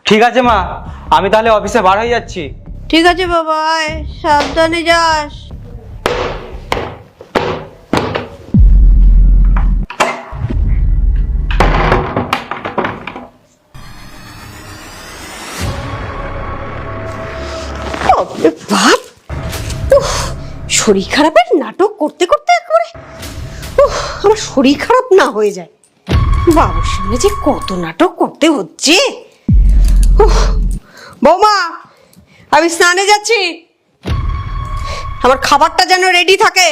ঠিক আছে মা, আমি তাহলে অফিসে বার হয়ে যাচ্ছি। ঠিক আছে বাবা, আয়, সাবধানে যাস। বাপ, শরীর খারাপের নাটক করতে করতে একবারে আমার শরীর খারাপ না হয়ে যায়। বাবুর সামনে যে কত নাটক করতে হচ্ছে। বৌমা, আমি স্নানে যাচ্ছি, আমার খাবারটা যেন রেডি থাকে।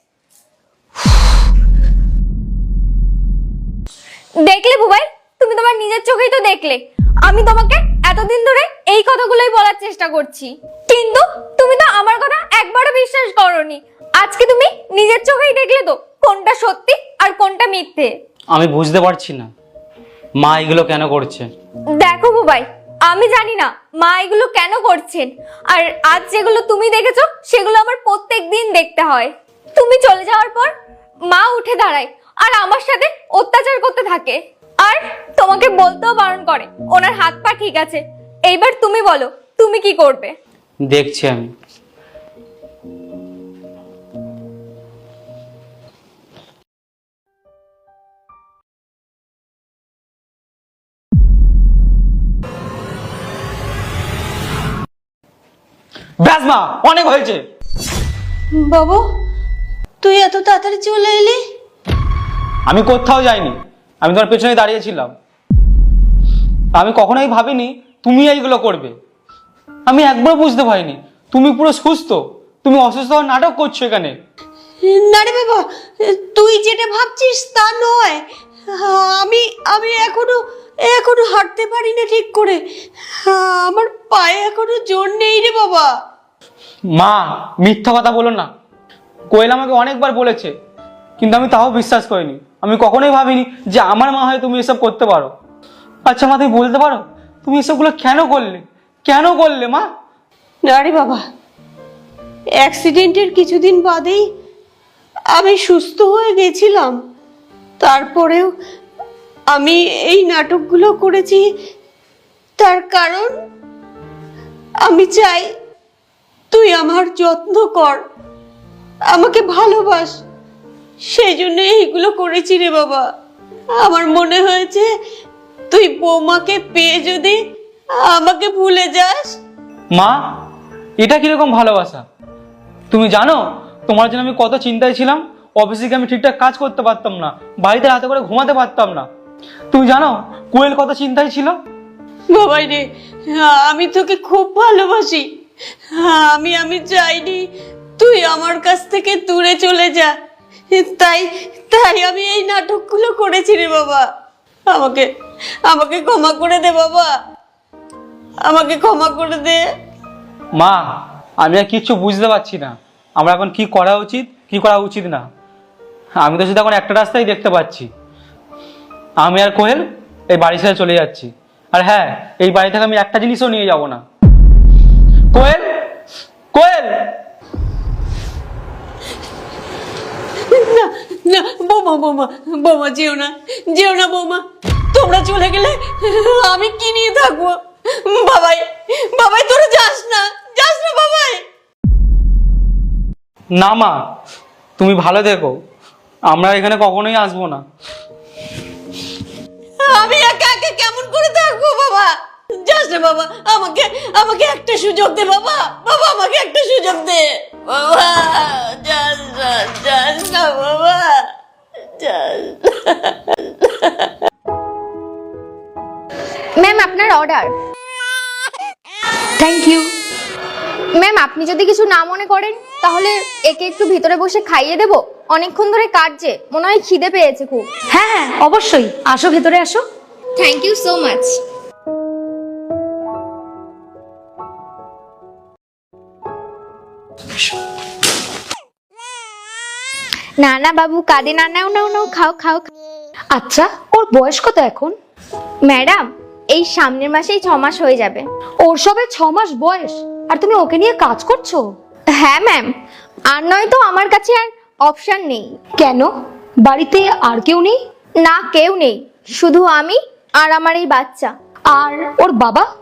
দেখলে বুবাই, তুমি তোমার নিজের চোখেই তো দেখলে আমি তোমাকে এতদিন ধরে এই কথাগুলোই বলার চেষ্টা করছি, কিন্তু তুমি তো আমার কথা একবারও বিশ্বাস করোনি। আজকে তুমি নিজের চোখেই দেখলে তো কোনটা সত্যি আর কোনটা মিথ্যে। আমি বুঝতে পারছি না মা এগুলো কেন করছে। দেখো বুবাই, আমি জানি না মা এগুলো কেন করছেন, আর আজ যেগুলো তুমি দেখেছো সেগুলো আমার প্রত্যেক দিন দেখতে হয়। তুমি চলে যাওয়ার পর মা উঠে দাঁড়ায় আর আমার সাথে অত্যাচার করতে থাকে, আর তোমাকে বলতেও বারণ করে ওনার হাত পা ঠিক আছে। এইবার তুমি বলো তুমি কি করবে? দেখছি আমি। ব্যাস মা, অনেক হয়েছে। বাবু, তুই এত তাড়াতাড়ি চলে এলি? আমি কোথাও যাইনি, আমি তোমার পেছনে দাঁড়িয়েছিলাম। আমি কখনোই ভাবিনি তুমি এইগুলো করবে। আমি একবার বুঝতে পারিনি তুমি পুরো সুস্থ, তুমি অসুস্থ হওয়ার নাটক করছো এখানে। না রে বাবা, তুই যেটা ভাবছিস তা নয়। আমি আমি এখনো এখনো হাঁটতে পারি না ঠিক করে। আমার পায়ে এখনো জোর নেই রে বাবা। মা, মিথ্যা কথা বলো না। কোয়েল আমাকে অনেকবার বলেছে, কিন্তু আমি তাও বিশ্বাস করিনি। আমি কখনোই ভাবিনি যে আমার মা হয় তুমি এসব করতে পারো। আচ্ছা মা, তুমি বলতে পারো তুমি এসবগুলো কেন করলে? কেন করলে মা? না রে বাবা, অ্যাক্সিডেন্টের কিছুদিন বাদেই আমি সুস্থ হয়ে গেছিলাম। তারপরেও আমি এই নাটকগুলো করেছি, তার কারণ আমি চাই তুই আমার যত্ন কর, আমাকে ভালোবাস। সেই জন্য এইগুলো করেছি রে বাবা। আমার মনে হয়েছে তুই বৌমাকে পেয়ে যদি আমাকে ভুলে যাস। মা, এটা কিরকম ভালোবাসা? তুমি জানো তোমার জন্য আমি কত চিন্তায় ছিলাম। অফিসে গিয়ে আমি ঠিকঠাক কাজ করতে পারতাম না, বাড়িতে রাতে করে ঘুমাতে পারতাম না। তুমি জানো কোয়েল কত চিন্তায় ছিল। বাবাই রে, আমি তোকে খুব ভালোবাসি। আমি আমি চাইনি তুই আমার কাছ থেকে দূরে চলে যা। তাই তাই আমি এই নাটকগুলো করেছি রে বাবা। আমাকে আমাকে ক্ষমা করে দে বাবা, আমাকে ক্ষমা করে দে। মা, আমি আর কিচ্ছু বুঝতে পারছি না আমরা এখন কি করা উচিত কি করা উচিত না। আমি তো শুধু এখন একটা রাস্তাই দেখতে পাচ্ছি, আমি আর কোয়েল এই বাড়ি ছেড়ে চলে যাচ্ছি। আর হ্যাঁ, এই বাড়ি থেকে আমি একটা জিনিসও নিয়ে যাব না। কোয়েল, কোয়েল! না না বৌমা, বৌমা, বৌমা, যেও না, যেও না বৌমা। তোমরা চলে গেলে আমি কি নিয়ে থাকবো? বাবাই, বাবাই, তোরা যাস না, যাস না বাবাই। না মা, তুমি ভালো থেকো, আমরা এখানে কখনোই আসবো না। আমি একা একা কেমন করে থাকবো বাবা? যাস না বাবা, আমাকে আমাকে একটা সুযোগ দে বাবা। বাবা, আমাকে একটা সুযোগ দে বাবা। যাস না, যাস না বাবা, যাস না। ম্যাম, আপনার অর্ডার। Thank you. ম্যাম, আপনি যদি কিছু না মনে করেন তাহলে একে একটু ভিতরে বসে খাইয়ে দেবো। অনেকক্ষণ ধরে কাটছে, মনে হয় খিদে পেয়েছে খুব। হ্যাঁ হ্যাঁ, অবশ্যই, আসো ভেতরে আসো। Thank you so much. না না বাবু, কাঁদে না, নাও নাও নাও, খাও খাও। আচ্ছা, ওর বয়স কত এখন? ম্যাডাম, এই সামনের মাসেই 6 মাস হয়ে যাবে। ওর সবে 6 মাস বয়স, আর তুমি ওকে নিয়ে কাজ করছো? হ্যাঁ ম্যাম, আর নয় তো আমার কাছে আর অপশন নেই। কেন, বাড়িতে আর কেউ নেই? না, কেউ নেই, শুধু আমি আর আমার এই বাচ্চা। আর ওর বাবা?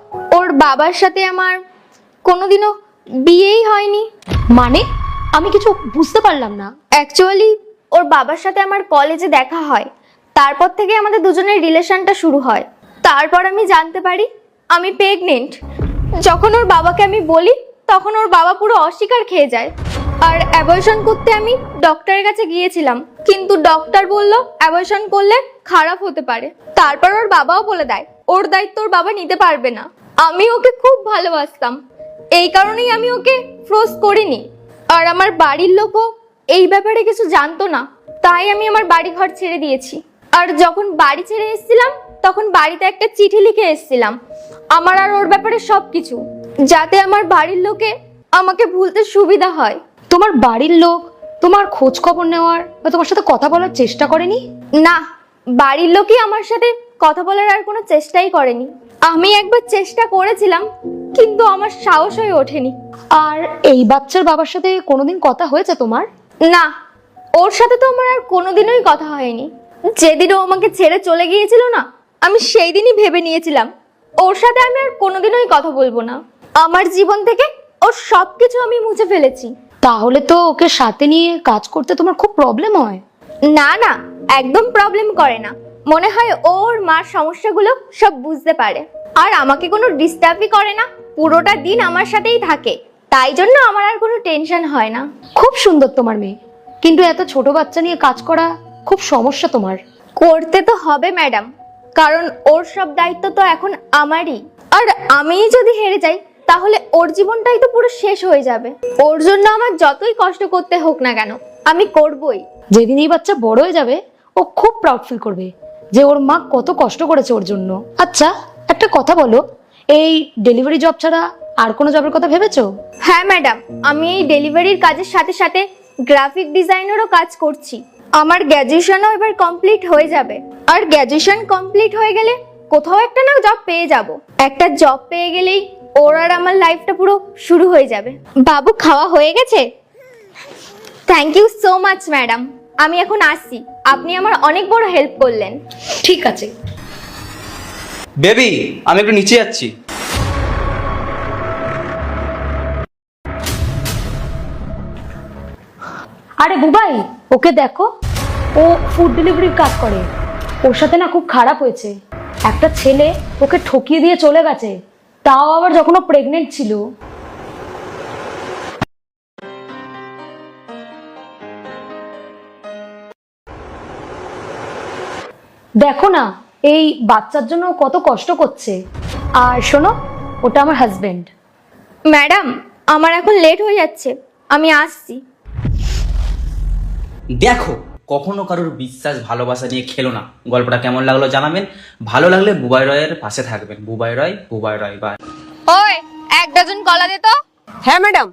ওর বাবার সাথে আমার কোনোদিনও বিয়েই হয়নি। মানে আমি কিছু বুঝতে পারলাম না। অ্যাকচুয়ালি ওর বাবার সাথে আমার কলেজে দেখা হয়, তারপর থেকে আমাদের দুজনের রিলেশনটা শুরু হয়। তারপর আমি জানতে পারি আমি প্রেগনেন্ট। যখন ওর বাবাকে আমি বলি তখন ওর বাবা পুরো অস্বীকার খেয়ে যায়। আর অ্যাবর্শন করতে আমি ডক্টরের কাছে গিয়েছিলাম, কিন্তু ডক্টর বলল অ্যাবর্শন করলে খারাপ হতে পারে। তারপর ওর বাবাও বলে দেয় ওর দায়িত্ব ওর বাবা নিতে পারবে না। আমি ওকে খুব ভালোবাসতাম, এই কারণেই আমি ওকে ফোর্স করিনি। আর আমার বাড়ির লোকও এই ব্যাপারে কিছু জানতো না, তাই আমি আমার বাড়ি ঘর ছেড়ে দিয়েছি। আর যখন বাড়ি ছেড়ে এসেছিলাম তখন বাড়িতে একটা চিঠি লিখে এসেছিলাম আমার আর ওর ব্যাপারে সবকিছু, যাতে আমার বাড়ির লোকে আমাকে ভুলতে সুবিধা হয়। তোমার বাড়ির লোক তোমার খোঁজ খবর নেওয়ার বা তোমার সাথে কথা বলার চেষ্টা করেনি? না, বাড়ির লোকই আমার সাথে কথা বলার আর কোনো চেষ্টাই করেনি। আমি একবার চেষ্টা করেছিলাম, কিন্তু আমার সাহস হয়ে ওঠেনি। আর এই বাচ্চার বাবার সাথে কোনোদিন কথা হয়েছে তোমার? না, ওর সাথে তো আমার আর কোনোদিনই কথা হয়নি। যেদিন ও আমাকে ছেড়ে চলে গিয়েছিল না, আমি সেই দিনই ভেবে নিয়েছিলাম ওর সাথে আমি আর কোনোদিনই কথা বলবো না। আমার জীবন থেকে ওর সবকিছু আমি মুছে ফেলেছি। তাহলে তো ওকে সাথে নিয়ে কাজ করতে তোমার খুব প্রবলেম হয়। না না, একদম প্রবলেম করে না। মনে হয় ওর মার সমস্যাগুলো সব বুঝতে পারে, আর আমাকে কোনো ডিস্টার্বই করে না। পুরোটা দিন আমার সাথেই থাকে, তাই জন্য আমার আর কোনো টেনশন হয় না। খুব সুন্দর তোমার মেয়ে, কিন্তু এত ছোট বাচ্চা নিয়ে কাজ করা খুব সমস্যা তোমার। করতে তো হবে ম্যাডাম, কারণ ওর সব দায়িত্ব তো এখন আমারই। আর আমিই যদি হেরে যাই তাহলে ওর জীবনটাই তো পুরো শেষ হয়ে যাবে। ওর জন্য আমার যতই কষ্ট করতে হোক না কেন আমি করবই। যেদিন এই বাচ্চা বড় হয়ে যাবে ও খুব প্রাউড ফিল করবে যে ওর মা কত কষ্ট করেছে ওর জন্য। আচ্ছা, একটা কথা বলো, এই ডেলিভারি জব ছাড়া আর কোনো জবের কথা ভেবেছো? হ্যাঁ ম্যাডাম, আমি এই ডেলিভারির কাজের সাথে সাথে গ্রাফিক ডিজাইনেরও কাজ করছি। আমার গ্র্যাজুয়েশনও এবার কমপ্লিট হয়ে যাবে, আর গ্র্যাজুয়েশন কমপ্লিট হয়ে গেলে কোথাও একটা না জব পেয়ে যাব। একটা জব পেয়ে গেলেই ওর আর আমার লাইফটা পুরো শুরু হয়ে যাবে। বাবু, খাওয়া হয়ে গেছে? Thank you so much madam, আমি এখন আসছি। আপনি আমার অনেক বড় হেল্প করলেন। ঠিক আছে। বেবি, আমি একটু নিচে যাচ্ছি। আরে বুবাই, ওকে দেখো, ও ফুড ডেলিভারির কাজ করে। ওর সাথে না খুব খারাপ হয়েছে। একটা ছেলে ওকে ঠকিয়ে দিয়ে চলে গেছে, তাও আবার যখন ও প্রেগনেন্ট ছিল। দেখো না, এই বাচ্চার জন্য ও কত কষ্ট করছে। আর শোনো, ওটা আমার হাজবেন্ড। ম্যাডাম, আমার এখন লেট হয়ে যাচ্ছে, আমি আসছি। দেখো, কখনো কারোর বিশ্বাস ভালোবাসা নিয়ে খেলো না। গল্পটা কেমন লাগলো জানাবেন, ভালো লাগলে বুবাই রয়ের পাশে থাকবেন। বুবাই রয় বাই। ওই, 1 ডজন কলা দে তো। হ্যাঁ ম্যাডাম।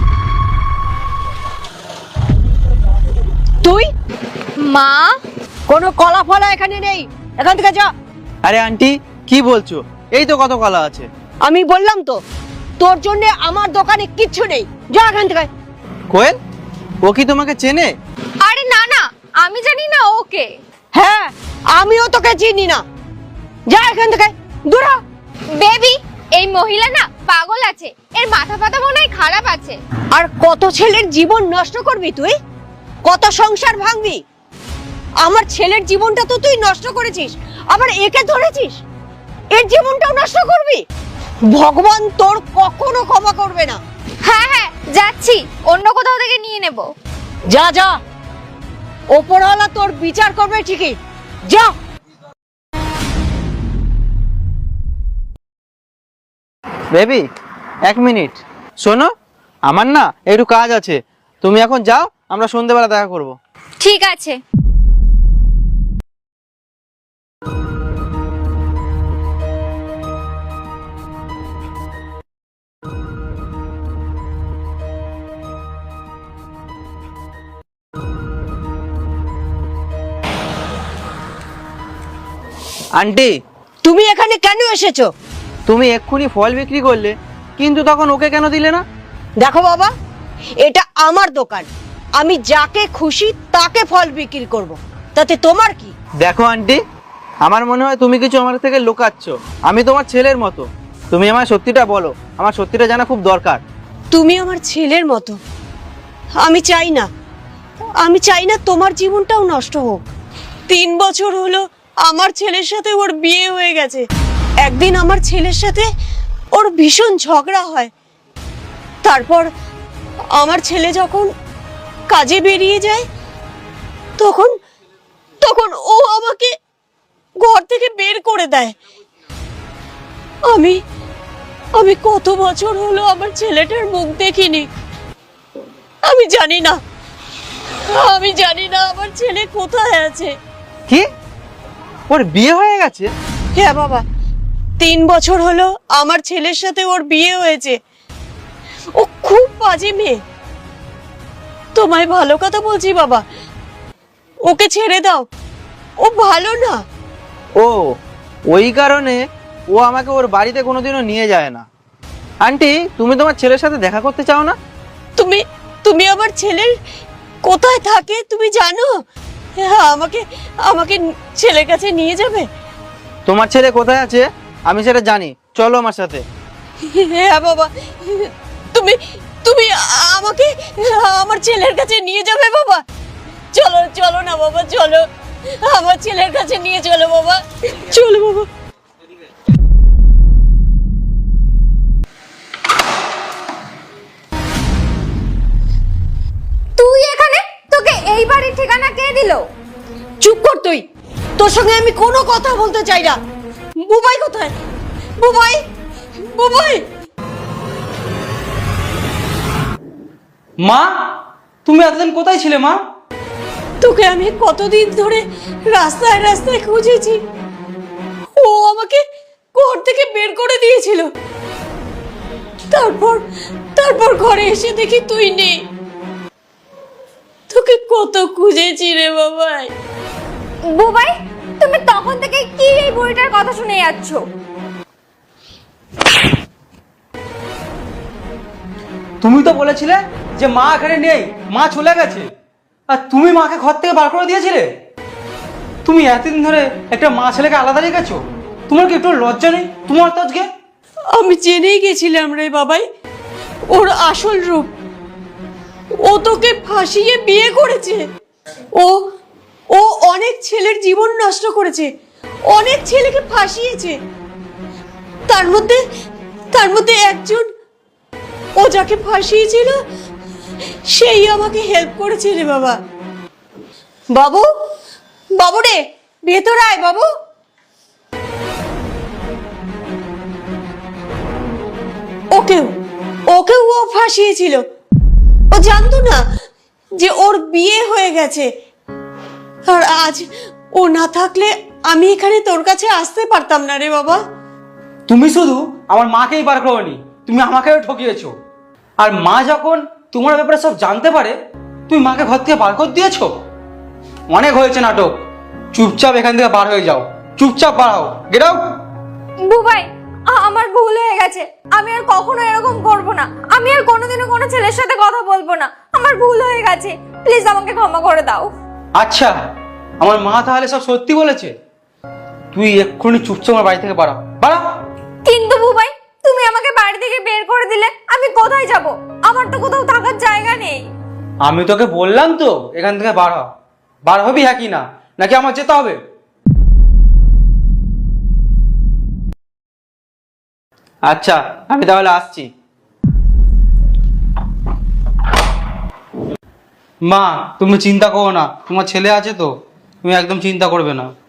তুই? মা, কোনো কলা ফলা এখানে নেই, এখান থেকে যা। আরে আন্টি, কি বলছো? এই তো কত কলা আছে। আমি বললাম তো, তোর জন্য আমার দোকানে কিচ্ছু নেই, যা এখান থেকে। কোয়েল, ও কি তোমাকে চেনে? আরে না না, আমি জানি না ওকে। হ্যাঁ, আমিও তোকে চিনি না, যা এখান থেকে, দূর হ। বেবি, এই মহিলা না পাগল আছে, এর মাথা ফাতা মনে হয় খারাপ আছে। আর কত ছেলের জীবন নষ্ট করবি তুই? কত সংসার ভাঙবি? আমার ছেলের জীবনটা তো তুই নষ্ট করেছিস, আবার একে ধরেছিস, এর জীবনটাও নষ্ট করবি? ভগবান তোর কখনো ক্ষমা করবে না। হ্যাঁ হ্যাঁ, যাচ্ছি, অন্য কোথাও থেকে নিয়ে নেব। যা যা, ওপরওয়ালা তোর বিচার করবে ঠিকই, যা। বেবি, 1 মিনিট শোনো, আমার না একটু কাজ আছে। তুমি এখন যাও, আমরা সন্ধ্যেবেলা দেখা করব। ঠিক আছে। আন্টি, তুমি এখানে কেন এসেছো? তুমি এক্ষুনি ফল বিক্রি করলে, কিন্তু তখন ওকে কেন দিলে না? দেখো বাবা, এটা আমার দোকান, আমি যাকে খুশি তাকে ফল বিক্রি করব, তাতে তোমার কি? দেখো আন্টি, আমার মনে হয় তুমি কিছু আমার থেকে লুকাচ্ছ। আমি তোমার ছেলের মতো, তুমি আমায় সত্যিটা বলো, আমার সত্যিটা জানা খুব দরকার। তুমি আমার ছেলের মতো। আমি চাই না তোমার জীবনটাও নষ্ট হোক। 3 বছর হলো আমার ছেলের সাথে ওর বিয়ে হয়ে গেছে। একদিন আমার ছেলের সাথে ওর ভীষণ ঝগড়া হয়। তারপর আমার ছেলে যখন কাজে বেরিয়ে যায় তখন তখন ও আমাকে ঘর থেকে বের করে দেয়। আমি কত বছর হলো আমার ছেলেটার মুখ দেখিনি। আমি জানি না আমার ছেলে কোথায় আছে। কি, ওর বিয়ে হয়ে গেছে? হ্যাঁ বাবা, 3 বছর হলো আমার ছেলের সাথে ওর বিয়ে হয়েছে। ও খুব বাজে মেয়ে। তোমায় ভালো কথা বলছি বাবা, ওকে ছেড়ে দাও, ও ভালো না। ও, ওই কারণে ও আমাকে ওর বাড়িতে কোনোদিনও নিয়ে যায় না। আন্টি, তুমি তোমার ছেলের সাথে দেখা করতে চাও না? তুমি আমার ছেলের কোথায় থাকে তুমি জানো? হ্যাঁ, আমাকে ছেলের কাছে নিয়ে যাবে? তোমার ছেলে কোথায় আছে আমি সেটা জানি, চলো আমার সাথে। হ্যাঁ বাবা, তুমি আমাকে আমার ছেলের কাছে নিয়ে যাবে বাবা? চলো না বাবা, চলো আমার ছেলের কাছে নিয়ে চলো বাবা, চলো বাবা। তুই এখানে? তোকে এই বাড়ির ঠিকানা কে দিল? চুপ কর তুই, তোর সঙ্গে আমি কোনো কথা বলতে চাই না। বুবাই কোথায়? বুবাই! মা, তুমি এতদিন কোথায় ছিলে মা? তোকে আমি কতদিন ধরে রাস্তায় রাস্তায় খুঁজেছি। ও আমাকে ঘর থেকে বের করে দিয়েছিল। তারপর ঘরে এসে দেখি তুই নেই। তোকে কত খুঁজেছি রে বাবাই। বুবাই, তুমি তখন থেকে কি এই বুড়িটার কথা শুনে যাচ্ছ? তুমি তো বলেছিলে যে মা এখানে নেই, মা চলে গেছে, আর তুমি মাকে ঘর থেকে বার করে দিয়েছিলে। তুমি এতদিন ধরে একটা মা ছেলেকে আলাদা রেখেছো, তোমার কি একটু লজ্জা নেই তোমার তো আজকে? আমি জেনেই গেছিলাম রে বাবাই ওর আসল রূপ। ও তোকে ফাঁসিয়ে বিয়ে করেছে। ও অনেক ছেলের জীবন নষ্ট করেছে, অনেক ছেলেকে ফাঁসিয়েছে। তার মধ্যে একজন, ও যাকে ফাঁসিয়েছিল সেই আমাকে হেল্প করেছে রে বাবা। বাবু রে, ভেতর আয় বাবু। ওকেও ও ফাঁসিয়েছিল। ও জানতো না যে ওর বিয়ে হয়ে গেছে। আর আজ ও না থাকলে আমি এখানে তোর কাছে আসতে পারতাম না রে বাবা। তুমি শুধু আমার মাকেই বার করোনি, তুমি আমাকেও ঠকিয়েছো। আর মা যখন তোমার ব্যাপারে সব জানতে পারে, তুমি মাকে ঘর থেকে বার করে দিয়েছো। অনেক হয়েছে নাটক, চুপচাপ এখান থেকে বার হয়ে যাও, চুপচাপ বার হও, গেট আউট। বুবাই, আমার ভুল হয়ে গেছে। আমি আর কখনো এরকম করব না। আমি আর কোনোদিনও কোনো ছেলের সাথে কথা বলবো না। আমার ভুল হয়ে গেছে, প্লিজ আমাকে ক্ষমা করে দাও। আচ্ছা, আমার মা তাহলে সব সত্যি বলেছে? তুই এক্ষুনি চুপচাপ আমার বাড়ি থেকে বাড়া, বাড়া। কিন্তু বুবাই, তুমি আমাকে বাড়ি থেকে বের করে দিলে, আমি কোথায় যাব? আমার তো কোথাও থাকার জায়গা নেই। আমি তোকে বললাম তো এখান থেকে বার হ। বার হবি হ্যাঁ কি না, নাকি আমার যেতে হবে? আচ্ছা, আমি তাহলে আসছি। মা, তুমি চিন্তা করো না, তোমার ছেলে আছে তো, তুমি একদম চিন্তা করবে না।